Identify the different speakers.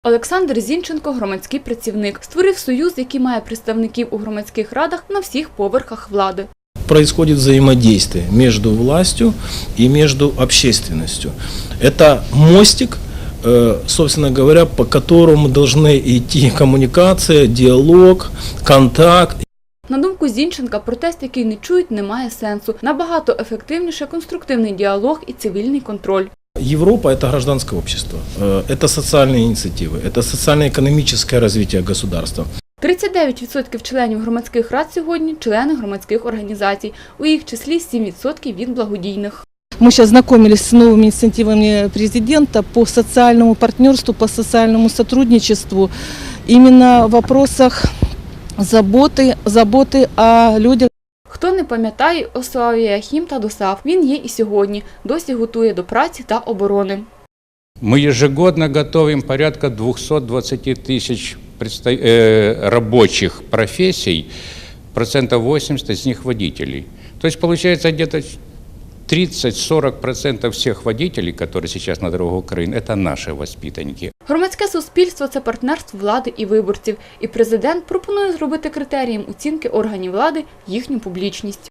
Speaker 1: Олександр Зінченко – громадський працівник. Створив союз, який має представників у громадських радах на всіх поверхах влади.
Speaker 2: Происходит взаимодействие между властью и между общественностью. Это мостик, собственно говоря, по которому должны идти коммуникация, диалог, контакт.
Speaker 1: На думку Зінченка, протест, який не чують, не має сенсу. Набагато ефективніше конструктивний діалог і цивільний контроль.
Speaker 2: Европа – это гражданское общество, это социальные инициативы, это социально-экономическое развитие государства.
Speaker 1: 39% членів громадських рад сьогодні – члени громадських організацій, у їх числі 7% від благодійних.
Speaker 3: Мы сейчас знакомились с новыми инициативами президента по социальному партнерству, по социальному сотрудничеству, именно в вопросах заботы о людях.
Speaker 1: Хто не пам'ятає Осаву Яхім та Досав, він є і сьогодні, досі готує до праці та оборони.
Speaker 4: Мы ежегодно готовим порядка 220 тысяч рабочих профессий, 80% из них водителей. То есть получается где-то 30-40% всех водителей, которые сейчас на дорогах Украины, это наши воспитанники.
Speaker 1: Громадське суспільство – це партнерство влади і виборців. І президент пропонує зробити критерієм оцінки органів влади їхню публічність.